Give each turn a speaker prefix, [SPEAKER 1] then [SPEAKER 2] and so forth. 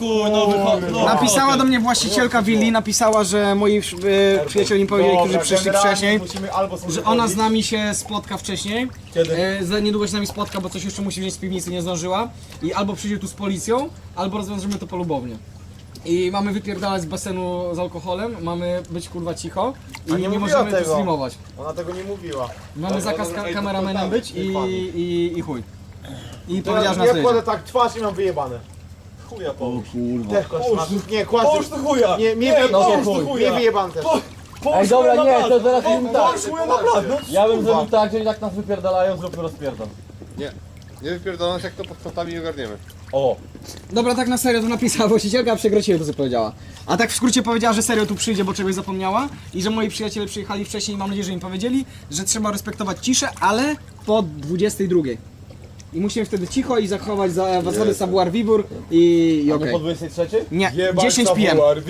[SPEAKER 1] chuj, no wychodzi.
[SPEAKER 2] Napisała do mnie właścicielka willi, napisała, że moi przyjaciele mi powiedzieli, którzy przyszli wcześniej, że ona z nami się spotka wcześniej.
[SPEAKER 1] Kiedy?
[SPEAKER 2] Za niedługo się z nami spotka, bo coś jeszcze musi wziąć z piwnicy, nie zdążyła. I albo przyjdzie tu z policją, albo rozwiążemy to polubownie. I mamy wypierdalać z basenu z alkoholem, mamy być kurwa cicho i nie możemy tu streamować.
[SPEAKER 3] Ona tego nie mówiła.
[SPEAKER 2] Mamy zakaz kameramenem być i chuj. I powiedziała, że nas
[SPEAKER 3] Ja
[SPEAKER 2] dojedzie.
[SPEAKER 3] kładę tak twarz i mam wyjebane.
[SPEAKER 1] Chuja połóż.
[SPEAKER 3] Też kłasz. Nie, kłasz.
[SPEAKER 1] Połóż tu chuja!
[SPEAKER 3] Nie, mnie
[SPEAKER 1] połóż tu
[SPEAKER 3] mnie
[SPEAKER 1] chuja!
[SPEAKER 3] wyjebane też.
[SPEAKER 1] Ej, dobra, nie, to zaraz
[SPEAKER 3] im tak.
[SPEAKER 1] Połóż chuja na blat, no
[SPEAKER 4] Ja bym zrobił tak, że i tak nas wypierdalają, zróbmy rozpierdol.
[SPEAKER 5] Nie wypierdoląc jak to pod kątami nie ogarniemy.
[SPEAKER 4] O!
[SPEAKER 2] Dobra, tak na serio to napisała właścicielka, a przekręciłem to co powiedziała. A tak w skrócie powiedziała, że serio tu przyjdzie, bo czegoś zapomniała i że moi przyjaciele przyjechali wcześniej i mam nadzieję, że im powiedzieli, że trzeba respektować ciszę, ale po 22. I musimy wtedy cicho i zachować zasady savoir vivre i
[SPEAKER 4] Nie
[SPEAKER 2] okej.
[SPEAKER 4] po 23?
[SPEAKER 2] Nie, 10 PM.